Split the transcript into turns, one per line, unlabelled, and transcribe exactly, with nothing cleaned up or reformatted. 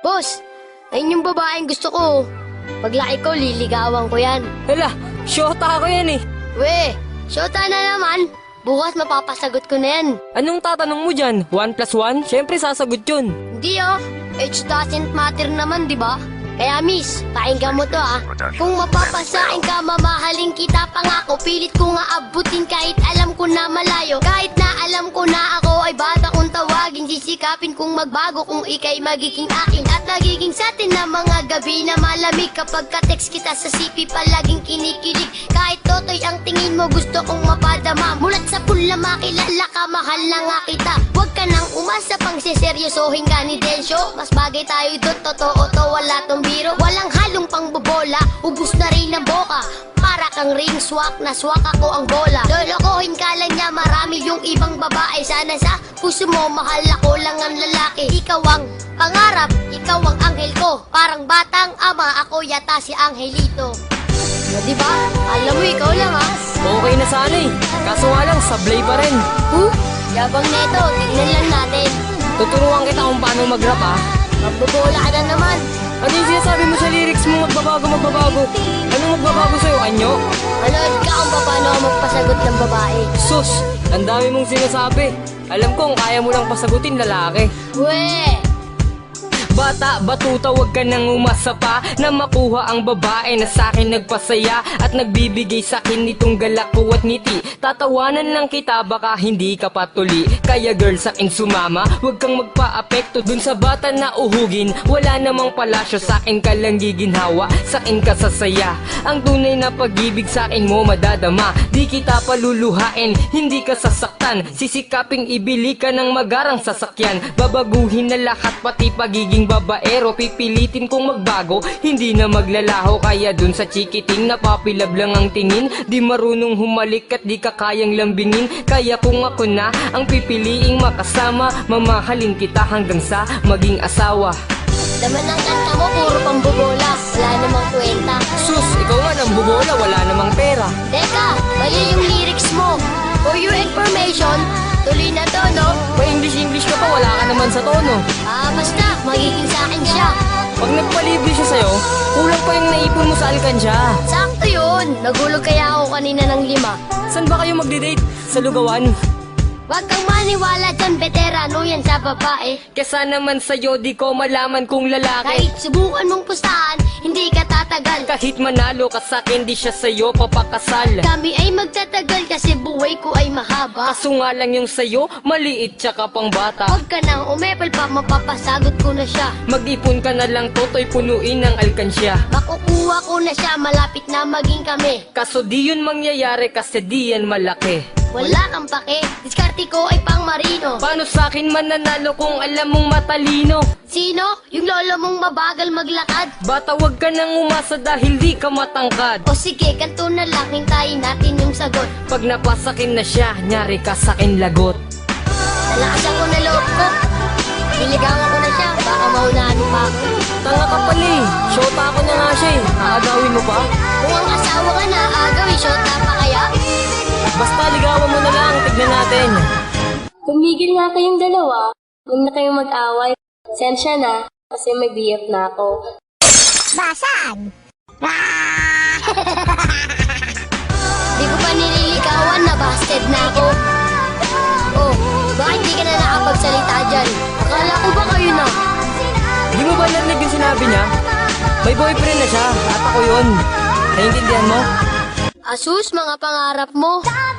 Boss, ayun yung babaeng gusto ko. Paglaki ko, liligawan ko yan.
Hala, syota ako yan eh.
We, syota na naman. Bukas mapapasagot ko na yan.
Anong tatanong mo dyan? One plus one? Siyempre sasagot yun.
Hindi oh, age doesn't matter naman, di ba? Kaya miss, pakinggan mo to ah. Kung mapapasain ka, mamahalin kita pangako. Pilit ko nga abutin kahit alam ko na malayo. Kahit na alam ko na ako ay bata kong tawagin. Sisikapin kong magbago kung ikay magiging akin. At nagiging sa atin na mga gabi na malamig. Kapag ka-text kita sa C P palaging kinikilig. Kahit totoy ang tingin mo gusto kong mapadama. Mulat sa pula makilala ka, mahal na nga kita. Huwag ka nang umasa pang siseryosohin ka ni Densyo. Mas bagay tayo doon, totoo to, wala tong biro. Walang halong pangbobola, ubus na rin ang boka. Para kang ring swak, na swak ako ang bola. Lolokohin ka lang niya, marami yung ibang babae. Sana sa puso mo, mahal ako lang ang lalaki. Ikaw ang pangarap, ikaw ang anghel ko. Parang batang ama, ako yata si Angelito. O diba? Alam mo, ikaw lang ha.
Okay na sana eh. Kaso nga lang, sablay pa rin.
Huh? Yabang neto, tignan lang natin.
Tuturuan kita kung paano mag-rap ah.
Magbobola ka na naman.
Ano yung sinasabi mo sa lyrics mo? Magbabago, magbabago. Anong magbabago sa'yo? Anyo?
Manood ka kung paano ako magpasagot ng babae.
Sus! Ang dami mong sinasabi. Alam kong kaya mo lang pasagutin lalaki.
Weh!
Bata, batuta, wag ka nang umasa pa na makuha ang babae na sa'kin nagpasaya at nagbibigay sa'kin nitong galak ko at ngiti. Tatawanan lang kita, baka hindi ka patuli. Kaya girl, sa'kin sumama, wag kang magpa-apekto dun sa bata na uhugin. Wala namang palasyo, sa'kin ka lang giginhawa, sa'kin ka sasaya. Ang tunay na pag-ibig sa'kin mo madadama. Di kita paluluhain, hindi ka sasaktan. Sisikaping ibili ka ng magarang sasakyan. Babaguhin na lahat, pati pagiging babaero. Pipilitin kong magbago, hindi na maglalaho. Kaya dun sa chikiting napapilab lang ang tingin. Di marunong humalik at di ka kayang lambingin. Kaya kung ako na ang pipiliing makasama, mamahalin kita hanggang sa maging asawa.
Laman ng kanta mo, puro pambobola. Wala namang kwenta.
Sus, ikaw nga nang bubola, wala namang pera.
Teka, mali yung lyrics mo. For your information, tuloy na to, no?
Pa-English-English ka pa, wala ka naman sa tono.
Ah, basta, magiging sa akin siya.
Pag nagpalibre siya sa'yo, kulang pa yung naipon mo sa alkansya.
Sakto yun. Nagulog kaya ako kanina ng lima.
Saan ba kayo magdi-date? Sa lugawan?
Huwag kang maniwala dyan, veterano yan sa babae.
Kesa naman sa'yo, di ko malaman kung lalaki.
Kahit subukan mong pustahan, hindi ka tatagal.
Kahit manalo ka sa'kin, di siya sa'yo papakasal.
Kami ay magtatagal kasi buhay ko ay mahaba.
Kaso nga lang yung sa'yo, maliit tsaka pang bata.
Huwag ka nang umepal pa, mapapasagot ko na siya.
Mag-ipon ka na lang, toto'y punuin ng alkansya.
Makukuha ko na siya, malapit na maging kami.
Kaso di yun mangyayari kasi di yan malaki.
Wala kang pake, diskarte ko ay pang marino.
Paano sa'kin mananalo kung alam mong matalino?
Sino? Yung lolo mong mabagal maglakad?
Bata, wag ka nang umasa dahil di ka matangkad.
O sige, kanto na lang, hintayin natin yung sagot.
Pag napasakin na siya, nyari ka sa'kin lagot.
Nalakasan ko na loob ko. Niligawan ko na siya, baka maunahan mo pa ako.
Tanga ka pala eh. Shota ako na nga siya eh. Aagawin mo pa?
Kung ang asawa ka na, agawin shota pa kaya?
Basta ligawan mo na lang, tignan natin.
Tumigil nga kayong dalawa. Huwag na kayong mag-away. Sensya na, kasi may B F na ako.
Basag! Di ko pa nililigawan, nabasted na ako. Oh, bakit di ka na nakapagsalita dyan? Akala ko ba kayo na?
Di mo ba narinig yung sinabi niya? May boyfriend na siya, at ako yun. Naiintindihan mo?
Asus, mga pangarap mo.